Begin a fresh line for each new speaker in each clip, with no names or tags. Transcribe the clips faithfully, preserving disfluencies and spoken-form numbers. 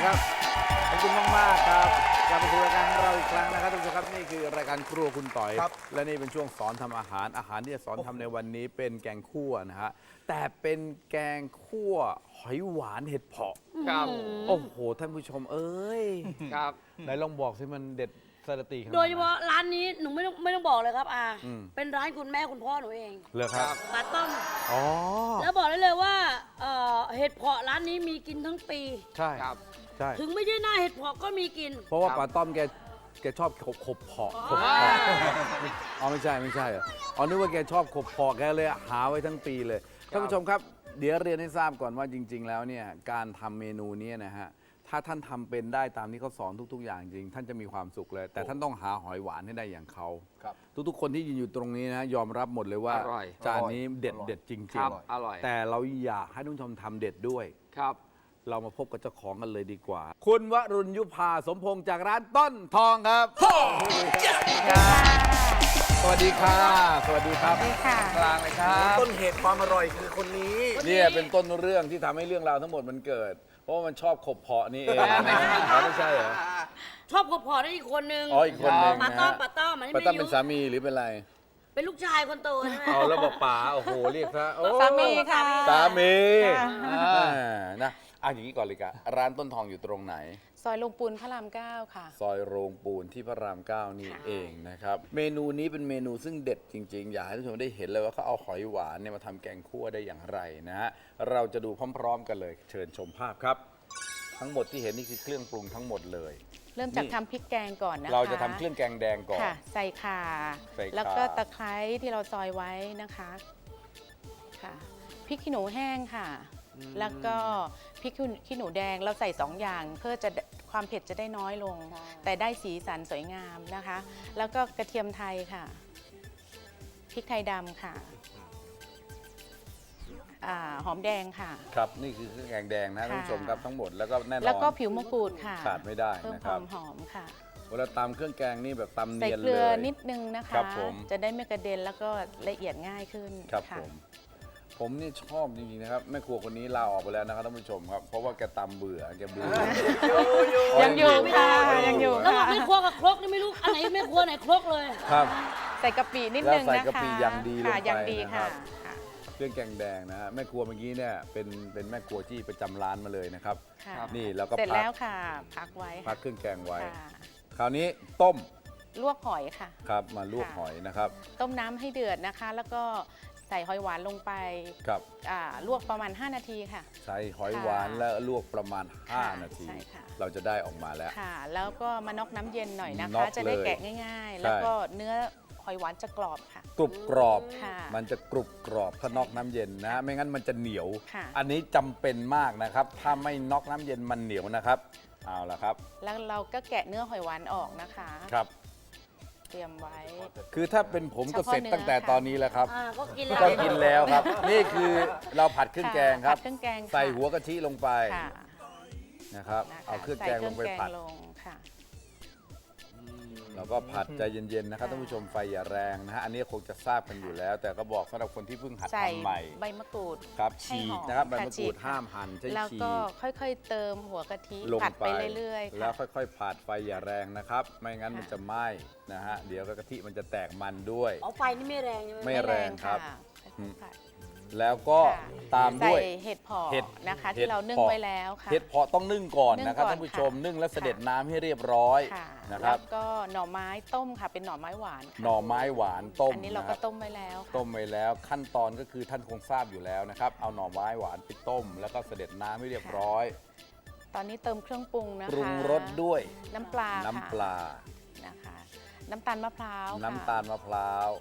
ครับขอบคุณมากมากครับกลับมาสู่รายการของเราอีกครั้งนะครับทุกท่านครับนี่คือรายการครัวคุณต่อยและนี่เป็นช่วงสอนทำอาหารอาหารที่จะสอนทำในวันนี้เป็นแกงคั่วนะฮะแต่เป็นแกงคั่วหอยหวานเห็ดเผาะ
ครับ
โอ้โหท่านผู้ชมเอ้ย
ครับ
ไหนลองบอกสิมันเด็ดสรติขนาดไหน
โดยเฉพาะร้านนี้หนูไม่ต้องไม่ต้องบอกเลยครับอา
อืม
เป็นร้านคุณแม่คุณพ่อหนูเอง
เหรอครับ
ปลาต้ม
อ๋อ
แล้วบอกได้เลยว่าเอ่อเห็ดเผาะร้านนี้มีกินทั้งปี
ใช่
ครับ
ใช่
ถึงไม่ใช่หน้าเห็ดเผาะก็มีกิน
เพราะว่า
ครับ
ปลาต้อมแกแกชอบขบขบเพาะขบ
อ๋อ
เพาะอ๋อไม่ใช่ไม่ใช่เหรออ๋อนึกว่าแกชอบขบเพาะแกเลยหาไว้ทั้งปีเลยท่านผู้ชมครับเดี๋ยวเรียนให้ทราบก่อนว่าจริง ๆ แล้วเนี่ยการทำเมนูนี้นะฮะถ้าท่านทำเป็นได้ตามที่เขาสอนทุก ๆ อย่างจริง ท่านจะมีความสุขเลย แต่ท่านต้องหาหอยหวานให้ได้อย่างเขา
ครับ
ทุกๆ คนที่ยืนอยู่ตรงนี้นะยอมรับหมดเลยว่า
อร่อย
จานนี้เด็ดเด็ดจริง
ครับ
ๆ
อร่อย
แต่เราอยากให้ท่านผู้ชมทำเด็ดด้วย
ครับ
เรามาพบกับเจ้าของกันเลยดีกว่า คุณวรุณยุพาสมพงษ์จากร้านต้นทองครับสวัสดีค่ะสวัสดีครับ
ค่ะ
กลางเลยครับ
ต้นเหตุความอร่อยคือคนนี้
เนี่ยเป็นต้นเรื่องที่ทำให้เรื่องราวทั้งหมดมันเกิด เพราะว่ามันชอบขบเพาะนี่เองอ๋อไม่ใช่เหรอ
ชอบกบเผาะได้อีกคนนึง
อ๋ออีกคนหนึ่ง
ปลา
นะ
ต้อ
ฮะ
มปลาต้อมอันนี้
ปา
ไม่
ต้อ
ได้
มเป็น
ยุ
สามีหรือเป็นอะไร
เป็นลูกชายคนโตใช่ไหม
เอาแล้วบอกป๋าโอ้โหเรียกซะโอ้
สามีค่ะ
สามี
ค่ะ
อ่านะอ่ะอย่างนี้ก่อนเลยกะร้านต้นทองอยู่ตรงไหน
ซอยลงปูนพระรามเก้าค่ะ
ซอยโรงปูนที่พระรามเก้านี่เองนะครับ เมนูนี้เป็นเมนูซึ่งเด็ดจริง ๆ อยากให้ทุกคนได้เห็นเลยว่าเขาเอาหอยหวานเนี่ยมาทำแกงคั่วได้อย่างไรนะฮะเราจะดูพร้อม ๆ กันเลย เชิญชมภาพครับ ทั้งหมดที่เห็นนี่คือเครื่องปรุงทั้งหมดเลย
เริ่มจาก
นี่
ทำพริกแกงก่อนนะคะ
เราจะทำเครื่องแกงแดงก่อน
ค่ะ ใส่ข่า
ใส่ข่า
แล้วก็ตะไคร้ที่เราซอยไว้นะคะค่ะพริกขี้หนูแห้งค่ะ แล้วก็พริกขี้หนูแดงเราใส่สองอย่างเพื่อจะความเผ็ดจะได้น้อยลง แต่ได้สีสันสวยงามนะคะ แล้วก็กระเทียมไทยค่ะพริกไทยดำค่ะอ่าหอมแดงค่ะ
ครับนี่คือเครื่องแกงแดงนะ
ค่ะ
ท่านผู้ชมครับทั้งหมดแล้วก็แน่นอน
แล้วก็ผิวมะกรูดค่ะ
ขาดไม่ได้
เพิ่ม
นะ
ค
ครั
วา
บ
มหอมค่ะ
เวลาตำเครื่องแกงนี่แบบตำ
ใส่
เนียน
เก
เล
ลือย นิดนึงนะคะ
ครับผม
จะได้ไม่กระเด็นแล้วก็ละเอียดง่ายขึ้น
ครับ
ค่ะ
ผมผมนี่ชอบจริงๆนะครับแม่ครัวคนนี้ลาออกไปแล้วนะครับท่านผู้ชมครับเพราะว่าแกตำเบื่อแกเบื่อ
ยังอยู่ค่ะยังอยู่
แล้วบอ
ค่ะ
กไม่ครัวกับครกนี่ไม่รู้อันไหนแม่ครัวไหนครกเลย
ครับ
ใส่กะปินิด
แล้ว
นึง
ใส่
นะคะ
กะปิอย่างดีลงไป
ค่ะอย่างดี
นะครั
ค่ะ
บ
ค่ะ
เครื่องแกงแดงนะฮะแม่ครัวเมื่อกี้เนี่ยเป็นเป็นแม่ครัวที่ประจำร้านมาเลยนะครับ
ค่ะ
นี่แล้วก็
เสร็จ
พัก
แล้วค่ะ พักไว้
พั
ค่ะ
กเครื่องแกงไว้
ค่ะ
คราวนี้ต้ม
ลวกหอยค่ะ
ครับมาลวก
ค่ะ
หอยนะครับ
ต้มน้ำให้เดือดนะคะ แล้วก็ใส่หอยหวานลงไป
ครับ
อ่าลวกประมาณ ห้า นาทีค่ะ
ใส่หอย
ค่ะ
หวานแล้วลวกประมาณ
ค่ะ
ห้า นาที
ใช่ค่ะ
เราจะได้ออกมาแล้ว
ค่ะ แล้วก็มาน็อกน้ำเย็นหน่อยนะ
น็อ
คะ
ก
จะได้
เลย
แกะง่าย ๆ แล้วก็เนื้อหอยหวานจะกรอบค่ะ
กรุบกรอบ
ค่ะ
มันจะกรุบกรอบถ้าน็อกน้ำเย็นนะ ไม่งั้นมันจะเหนียว
ค่ะ
อันนี้จำเป็นมากนะครับ ถ้าไม่น็อกน้ำเย็นมันเหนียวนะครับ เอาละครับ
แล้วเราก็แกะเนื้อหอยหวานออกนะคะ
ครับ
เตรียมไว้
คือถ้าเป็นผมก็
เฉพาะ
เสร็จตั้งแต่
เนื้อค่ะ
ตอนนี้แล้วครับ
อ่าก็กินแล้ว
ก็กินแล้วครับ นี่คือเราผัดเครื่องแกงครับ
ผัดเครื่องแกงค่ะ
ใส่หัวกะทิลงไป
ค่ะ
นะครับ
นะคะ
เอาเครื่องแกงลงไป
ใส่เค
ผัด
รื่อแกงลงค่ะ
แล้วก็ผัดใจเย็นๆนะครับ
ค่ะ
ท่านผู้ชมไฟอย่าแรงนะฮะอันนี้คงจะทราบกันอยู่แล้ว แต่ก็บอกสำหรับคนที่เพิ่งหัด
ใส่
ทำใหม่
ใบมะกรูด
ครับ
ให้
ฉี
ห
ก
อม
นะครับใบ
ค่ะ
มะก
ฉี
รู
ก
ด
ค่ะ
ห้ามหั่นใช้
แล้ว
ฉี
ก็
ก
ค่อยๆ เติมหัวกะทิ
ลง
ผัด
ไป
ไปเรื่อยๆ
แล้ว
ค่ะ
ค่อยๆผัดไฟอย่าแรงนะครับ ไม่งั้น
ค่ะ
มันจะไหม้นะฮะเดี๋ยวก็กะทิมันจะแตกมันด้วย
อ๋อไฟนี่ไม่แรงใช่ไหม
ไม่แรงครับ
ะค่อยๆผัด
แล้วก็
ค่ะ
ตามด้วย
ใส่เห็ดเผาะ
เห็ด
นะคะ
เห็ด
ที่เรานึ่ง
เผาะ
ไว้แล้วค่ะ
เห็ดเพาะต้องนึ่งก่อน
นึ่ง
นะครับ
ก่อน
ท่านผู้ชม
ค่ะ
นึ่งแล้วเสด็จ
ค่ะ
น้ำให้เรียบร้อย
ค่ะ
นะครับ
แล้วก็หน่อไม้ต้มค่ะ เป็นหน่อไม้หวานค่ะ
หน่อไม้หวานต้ม
อันนี้เรา
นะค
ก็
รับ
ต้มไว้แล้วค่ะ
ต้มไว้แล้วขั้นตอนก็คือท่านคงทราบอยู่แล้วนะครับ เอาหน่อไม้หวานไปต้ม แล้วก็เสด็จน้ำให้เรียบร้อย
ตอนนี้เติมเครื่องปรุงนะคะ
ปรุงรสด้วย
น้ำปลา
น้ำปลา
ค่ะนะคะ น้ำตาลมะพร้าวค่ะ
น้ำตาลมะพร้าว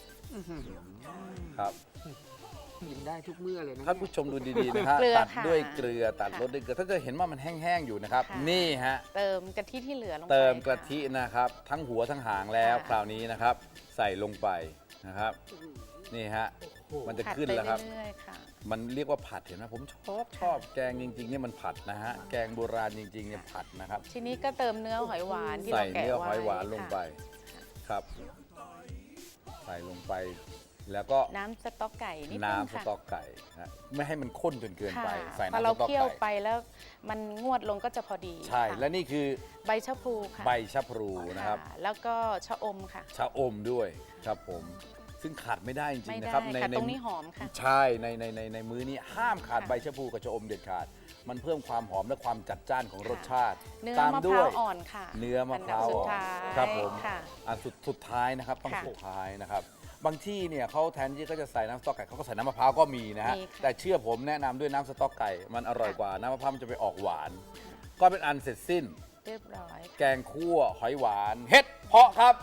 ครับ
กินได้ทุกเมื่อเลยนะ
ท่านผู้ชมดูดีๆนะฮะ
เกลือ
ตัด
ค่ะ
ด้วยเกลือตัด
ค่ะ
รสด้วยเกลือถ้าจะเห็นว่ามันแห้งๆอยู่นะครับ
ค่ะ
นี่ฮะ
เติมกะทิที่เหลือลงไป
เติม
ค่
กะทินะครับ ทั้งหัวทั้งหางแล้ว
ค่ะ
คราวนี้นะครับ ใส่ลงไปนะครับ นี่ฮะมันจะ
ผัด
ขึ้น
ไป
แล้วครับ
เรื่อยๆค่ะ
มันเรียกว่าผัดเห็นไหมผมชอบชอบแกงจริงๆเนี่ยมันผัดนะฮะแกงโบราณจริงๆเนี่ยผัดนะครับ
ทีนี้ก็เติมเนื้อหอยหวานที่
ใส่
เราแกะ
เนื้อ
ไว้
หอยหวานลงไป
ค่ะ
ครับ ใส่ลงไปแล้วก็
น้ำสต๊อกไก่นิดนึง
น้ำส
ค่ะ
ต๊อกไก่นะไม่ให้มันข้นจนเกินไป
ค่ะ
ใส่
พอ
น้ำส
เรา
ต๊อก
เคี่ยวไป
ไก่
แล้วมันงวดลงก็จะพอดี
ใช่
ค่ะ
และนี่คือ
ใบชะพลูค่ะ
ใบชะพลูนะครับ
ค่ะแล้วก็ชะอมค่ะ
ชะอมด้วยครับผมซึ่งขาดไม่ได้จริ
ไม่
งๆ
ได้
นะครับ
ค่ะตรงนี้หอมค่ะ
ใช่ในในในในมื้อนี้ห้ามขาด
ค่ะ
ใบชะพลูกับชะอมเด็ดขาด มันเพิ่มความหอมและความจัดจ้านของรสชาติ
เนื้อ
ตาม
มะพ
ด้ว
ร้าวย อ่อนค่ะ
เนื้อมะพร้าว
อันดับสุ
อ่
ด
อน
ท้าย
ครับผม
ค่ะ
อันสุดสุดท้ายนะครับต้อง
ค่ะ
สุดท้ายนะครับบางที่เนี่ยเขาแทนที่เขาจะใส่น้ำสต๊อกไก่เขาก็ใส่น้ำมะพร้าวก็มีนะฮะ
มีค่ะ
แต่เชื่อผมแนะนำด้วยน้ำสต๊อกไก่มันอร่อยกว่าน้ำมะพร้าวมันจะไปออกหวาน ก็เป็นอันเสร็จสิ้น
เรียบร้อย
แกงคั่วหอยหวานเห็ดเพาะครับ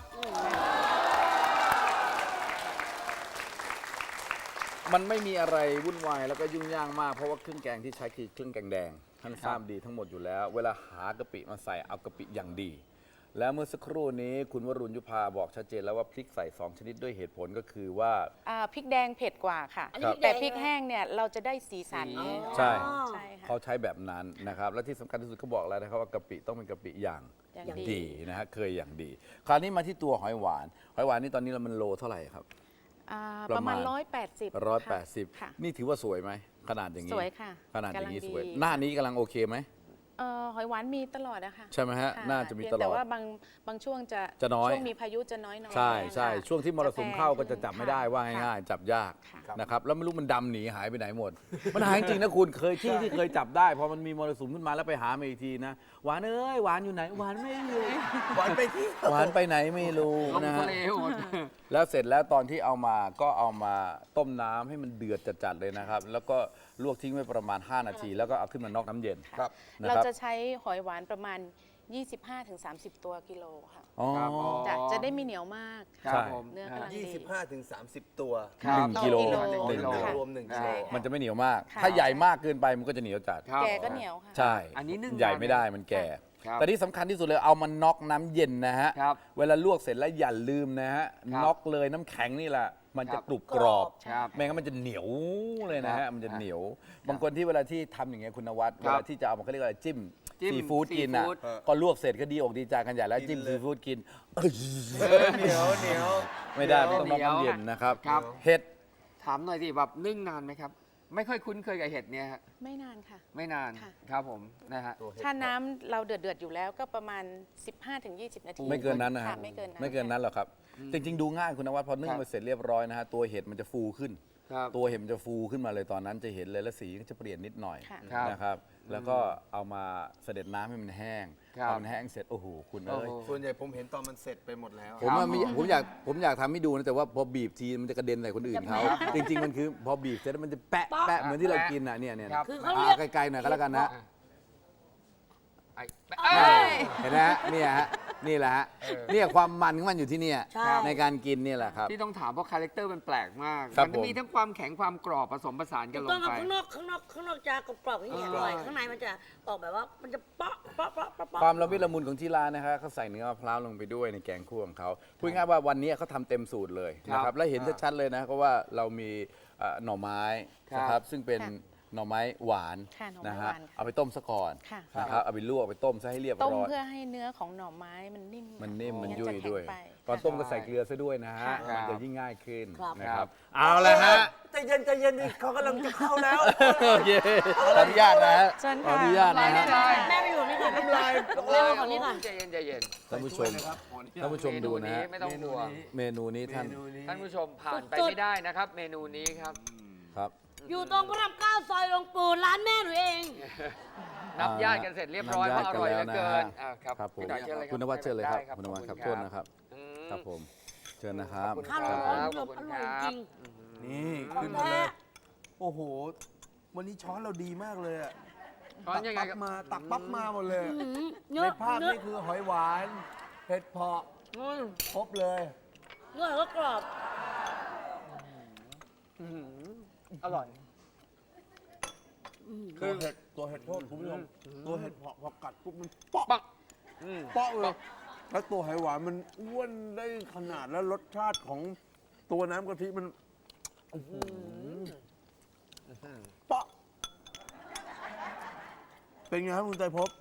มันไม่มีอะไรวุ่นวายแล้วก็ยุ่งยากมากเพราะว่าเครื่องแกงที่ใช้คือเครื่องแกงแดงท่านทราบดีทั้งหมดอยู่แล้ว เวลาหากะปิมาใส่เอากะปิอย่างดี แล้วเมื่อสักครู่นี้คุณวรุณยุพาบอกชัดเจนแล้วว่าพริกใส่สองชนิดด้วยเหตุผลก็คือว่า
อ่าพริกแดงเผ็ดกว่าค่ะ
อันนี้
แต่
พ
พ
ริ
ริ
ก
ก
แดง
แห้งเนี่ยเราจะได้สีสัน
ใช่
ใช่ค่ะ
เขาใช้แบบนั้นนะครับและที่สำคัญที่สุดเขาบอกแล้วนะครับว่ากะปิต้องเป็นกะปิอย่าง
อย่างดี
ดีนะฮะเคยอย่างดี คราวนี้มาที่ตัวหอยหวานหอยหวานนี่ตอนนี้เรามันโลเท่าไหร่ครับ
อ่า
ป
ประ ระ
มา
มา
ณ
ณร้อยแปดสิบ
ร้อยแปดสิบ
ค่ะ
นี่ถือว่าสวยไหมขนาดอย่างนี้
สวยค่ะ
ขนาดอย่างนี้
กำลัง
สวย
ดี
หน้านี้กำลังโอเคไหม
เอ่อหอยหวานมีตลอดนะคะ
ใช่ไหมฮะ
ค่
น่าจะมี
เพียง
ตลอด
แต่ว่าบางบางช่วงจะ
จะน้อย
ช่วงมีพายุจะน้อยหน่อย
ใช่ใช่
ค่ะ
ช่วงที่มรสุมเข้าก็จะจับไม่ได้ว่า
ค่ะ
ง่ายๆจับยาก
ค่ะ
นะครับแล้วไม่รู้มันดำหนีหายไปไหนหมด มันหายจริงๆนะคุณเคยที่ที่เคยจับได้พอมันมีมรสุมขึ้นมาแล้วไปหามาอีกทีนะหวานเอ้ยหวานอยู่ไหนหวานไม่อยู่
หวานไปที่
หวานไปไหนไม่รู้
ลง
นะ
ทะ
ฮะ
เลหมด
แล้วเสร็จแล้วตอนที่เอามาก็เอามาต้มน้ำให้มันเดือดจัดๆเลยนะครับ แล้วก็ลวกทิ้งไว้ประมาณ ห้า นาที แล้วก็เอาขึ้นมานอกน้ำเย็น
ครับ
นะ
เรา
ครับ
จะใช้หอยหวานประมาณ ยี่สิบห้าถึงสามสิบ ตัวกิโลค่ะ
อ๋อ
ครับอ๋อ
จะจะได้ไม่เหนียวมาก
ครับ
ใช่
ผม
เนื้อกำลัง
ยี่สิบห้าถึงสามสิบตัว
ครับ
หนึ่งกิโล
ต่อ
หนึ่ง
กิโล
กิโล
ค่ะ
รวมหนึ่ง
ใช่
กิโล
มันจะไม่เหนียวมาก
ค่ะ
ถ้าใหญ่มากเกินไปมันก็จะเหนียวจัด
ครับ
แกก็เหนียวค่ะ
ใช่
อันนี้นึ่ง
ใหญ่
นานไหม
ไม่ได้มันแก่
ครับ
แต่ที่สำคัญที่สุดเลยเอามันน็อกน้ำเย็นนะฮะ
ครับ
เวลาลวกเสร็จแล้วอย่าลืมนะฮะ
ครับ
น็อกเลยน้ำแข็งนี่แหละ มันจะ
ครับ
กรุบกรอบ
ครับ
ไม่งั้นมันจะเหนียวเลยนะ
ครั
ฮะ
บ
มันจะเหนียว บางคนที่เวลาที่ทำอย่างเงี้ยคุณนวัด
ค
เว
รับ
ลาที่จะเอามันเขาเรียกว่าอะไรจิ้ม
จิ้ม
ซีฟู้ดกินอ่ะ
ซีฟู้ด
ก็ลวกเสร็จก็ดีอกดีใจกันใหญ่แล้วจิ้ม
กินเลย
ซีฟู้ดกินเอ้ย
เหนียวเหนียว
ไม่ได้มันต้องน็อกน้ำเย็นนะครับ
ครับ
เห็ด
ถามหน่อยสิแบบนึ่งนานไหมครับ ไม่ค่อยคุ้นเคยกับเห็ดเนี่ยฮะ
ไม่นานค่ะ
ไม่นาน
ค่ะ
ครับผมนะฮะ
ถ้าน้ำเราเดือดเดือดๆอยู่แล้วก็ประมาณ สิบห้าถึงยี่สิบ นาที
ไม่เกินนั้นนะ
ค่ะ
ฮะ
ไม่เกินนั้น
ไม่เกินนั้นหรอกครับ จริงๆ ดูง่ายคุณนวัดพอนึ่ง
ครับ
มาเสร็จเรียบร้อยนะฮะตัวเห็ดมันจะฟูขึ้น
ครับ
ตัวเห็ดมันจะฟูขึ้นมาเลยตอนนั้นจะเห็นเลยแล้วสีก็จะเปลี่ยนนิดหน่อย
ค่ะ
ครับ
นะครับ แล้วก็เอามาเสด็จน้ำให้มันแห้ง
ครับ
พอมันแห้งเสร็จโอ้โหคุณเอ้ย
โอ้โห
ส่วนใหญ่ผมเห็นตอนมันเสร็จไปหมดแล้ว
ผมว่ามีผมอยากผมอยากทำให้ดูนะแต่ว่าพอบีบทีมันจะกระเด็นใส่คนอื่นเขาจริง ๆ มันคือพอบีบเสร็จแล้วมันจะแปะแปะเหมือนที่เรากินอ่ะเนี่ยเนี่ย
ครับ
คือเขาเรียก
อ่ะไกลๆหน่อยก็แล้วกันนะ
ไอ้
เอ้
เอ้ย
เห็นไหมฮะเนี่ยฮะนี่แหละฮะเนี่ยความมันของมันอยู่ที่เนี่ย
ใช่
ในการกินเนี่ยแหละครับ
ที่ต้องถามเพราะคาแรคเตอร์มันแปลกมาก
ครับ
มันจะมี
ผม
ทั้งความแข็งความกรอบผสมผสานกันล
ต้อง
ง
เอา
ไป
ข้างนอกข้างนอกข้างนอกจะกรอบๆอย่างนี้อร่อยข้างในมันจะออกแบบว่ามันจะเปาะเปาะเปาะเปาะเปาะ
ความละมุนละมุนของที่ร้านนะครับเขาใส่เนื้อมะพร้าวลงไปด้วยในแกงคั่วของเขาพูดง่ายๆว่าวันนี้เขาทำเต็มสูตรเลยนะค
ครั
รับบ และเห็นชัดๆเลยนะเพราะว่าเรามีเอ่อหน่อไม้
ครับ
นะครับซึ่งเป็น
ค่ะ
หน่อไม้หวาน
ค่ะหน่อไม้
นะฮะ
หวานค่ะ
เอาไปต้มซะก่อน
ค่ะ
นะครับเอาไปลวกเอาไปต้มซะให้เรียบ
ต้ม
ร้อย
เพื่อให้เนื้อของหน่อไม้มันนิ่ม
มันนิ่มมัน
ไงั้
ยุ่ย
จะแข็ง
ด้วย
ไป
ตอน
ค่ะ
ต้มก็ใส่เกลือซะด้วยนะฮะ
ค่ะ
มันจะยิ่งง่ายขึ้น
ครับ
นะครับเอาละฮะ
ใจเย็นใจเย็นดิเขากำลังจะเข้าแล้ว
โอเคขออนุญาตนะฮะ
เชิญ
ขอ
ค่ะ
อนุญาตนะฮะ
แม่ไปอยู่นี่ก่อน
น้ำลาย
แม่มาก่อนนี่ก่อน
ใจเย็นใจเย็น
ท่านผู้ชมท่านผู้ชมดูนะฮะ
ไม่ต้องห่วง
เมนูนี้ท่าน
ท่านผู้ชมผ่านไป
สุดๆ
ไม่ได้นะครับ เมนูนี้ครับ
ครับ
อยู่ตรงพระรามเก้าซอยหลวงปู่ร้านแม่หนูเอง
นับญาติกันเสร็จเรียบร้อย
นั
ว่า
บ
อ
ญาติ
ร่อยเหลือเกิน
กันแล้วนะฮะ
อ่าครับ
ครับผม
พี่หน่อยเชิญเลยรับ
คุณนวัดเชิญเลยครับ
ได้
คุณนวัดครับ
ข
โท
อ
ษ
ณ
นะครับ
อืม
ครับผมเชิญนะครับ
ขอบคุณ
ข้าว
ค
ร้
รั
อน
บ
ๆ
ขอบคุณ
อร่อย
ค
จ
รั
ริ
บ
ง
นี่
ของ
ขึ้นมา
แท้
เลยโอ้โห วันนี้ช้อนเราดีมากเลยอะ
ช้อนยังไง
ตัก
ครับ
ปั๊บมาตักปั๊บมาหมดเลย
อื้อหือ
ใน
เนื้อ
ภาพ
เนื้อ
นี่คือหอยหวานเห็ดเพาะ
อืม
ครบเลย
เนื้อก็กรอบ
อื้อหืออร่อย
ตัวเห็ดตัวเห็ดโทษคุณผู้ชมตัวเห็ดเพาะพอกัดปุ๊บมันเปาะ
ปักอืม
เปาะเลยแล้วตัวหอยหวานมันอ้วนได้ขนาดแล้วรสชาติของตัวน้ำกะทิมันอื้อหือเปาะเป็นไงครับคุณใจพบ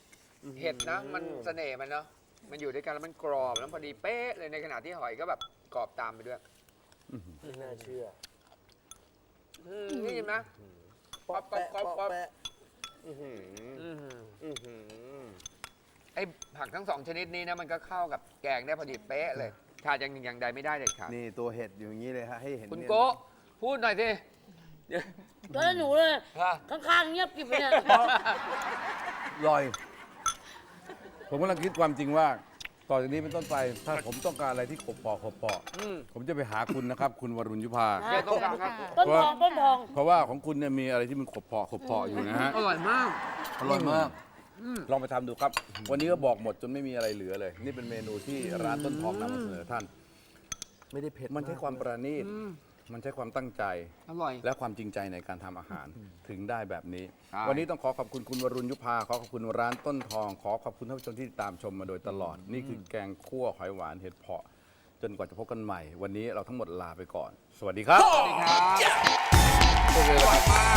เห็ดนะ มันเสน่ห์มันเนาะ มันอยู่ด้วยกันแล้วมันกรอบแล้วพอดีเป๊ะเลยในขณะที่หอยก็แบบกรอบตามไปด้วย
ไม่น่าเชื่อ
อืมนี่เห็นไหม
ป๊อปแปะ
ป๊อป
ป๊อป
ป๊อป
แปะอื้อหือ
อืม
อื้อหือ
ไอ้ผักทั้งสองชนิดนี้นะมันก็เข้ากับแกงได้พอดีเป๊ะเลยขาดอย่างหนึ่งอย่างใดไม่ได้เลยครับ
นี่ตัวเห็ดอยู่อย่างนี้เลยฮะให้เห็น
คุณ
เนี่ย
โก้พูดหน่อยสิ
แล้วหนูเลย
ฮะ
ข้างๆเงียบกริบไปเนี่ย
ลอย ผมกำลังคิดความจริงว่า ต่อจากนี้เป็นต้นไป ถ้าผมต้องการอะไรที่ขบปอกขบปอก
อืม
ผมจะไปหาคุณนะครับ คุณวรุณยุพา
เดี๋ยวต้องการครับ
ต้นทองต้นทอง
เพราะว่าของคุณเนี่ยมีอะไรที่มันขบปอกขบปอกอยู่นะฮะ
อร่อยมาก
อร่อยมาก ลองไปทำดูครับ วันนี้ก็บอกหมดจนไม่มีอะไรเหลือเลย นี่เป็นเมนูที่ร้านต้นทองนำมาเสนอท่าน
ไม่ได้เผ็ด
มันใช้ความประณีต มันใช้ความตั้งใจ
อร่อย
และความจริงใจในการทำอาหารถึงได้แบบนี้
ใช่
วันนี้ต้องขอขอบคุณคุณวรุณยุพา ขอขอบคุณร้านต้นทอง ขอขอบคุณท่านผู้ชมที่ติดตามชมมาโดยตลอด นี่คือแกงคั่วหอยหวานเห็ดเผาะ จนกว่าจะพบกันใหม่ วันนี้เราทั้งหมดลาไปก่อน สวัสดีครับ
สวัสดีครับอร่อยมาก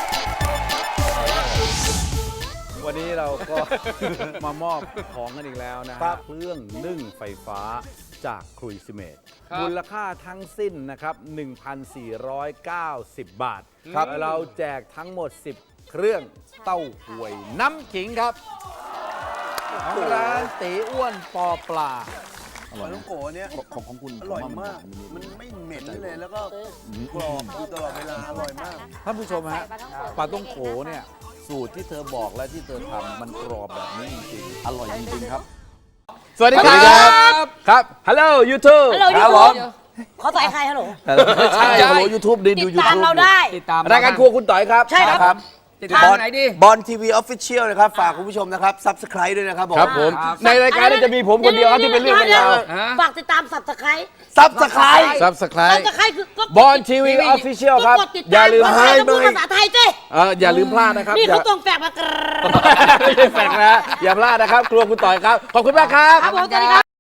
วันนี้เราก็ มามอบของกันอีกแล้วนะค
ครั
รับบ เครื่องนึ่งไฟฟ้าจากครุยซิเมต
ครับ
มูลค่าทั้งสิ้นนะครับ หนึ่งพันสี่ร้อยเก้าสิบ บาท
ครับ
เราแจกทั้งหมด สิบ เครื่องเต้าหวยน้ำขิงครับของร้านตีอ้วนปอปลา
อร่อยลูกโกะเนี่ย
ของของคุณ
อร่อยมาก มันไม่เหม็นเลยแล้วก็กรอบอยู่ตลอดเวลาอร่อยมาก
ท่านผู้ชมฮะปลาต้องโขเนี่ยสูตรที่เธอบอกและที่เธอทำมันกรอบแบบนี้จริงๆอร่อยจริงๆครับ สวัสดีครับ ครับฮัลโหลยูทูบ
ฮัลโหล
ครับ
YouTube
ผม
ขอใส่ใครฮัลโหล
ใช่ฮัลโหลยูทูบดี
ติ
ดู
ด
ยู
ตาม
ทูบ
เราได้
ติดตาม
รายการครัวคุณต่อยครับ
ใช่ครับ
ติดตามไหนดี
บอลทีวีออฟฟิเชียลนะครับ ฝากคุณผู้ชมนะครับซับสไคร b e ด้วยนะครับผม
ครับผม ในรายการนี้จะมีผมคนเดียวครับที่เป็นเรื่องเป็นราว
ฮะ
ฝากติดตามสับสไคร
ซับสไคร b e
ซับสไคร
สับ
ต์
สไครคือก็
บอลทีวีออฟฟิเชียลครับ
ก็กดติด
อย่า
ตาม
ลืม
ภาษา
ให้
จะพูด
หน่อย
ภาษาไทยเจ้
เอออย่าลืมพลาดนะครับ
นี่
อย่า
เขาตรงแฝกมากร
ไม่ใช่แฟกนะอย่าพลาดนะครับ ครัวคุณต่อยครับ ขอบคุณมากครับ
ครับผมสวัสดีครับ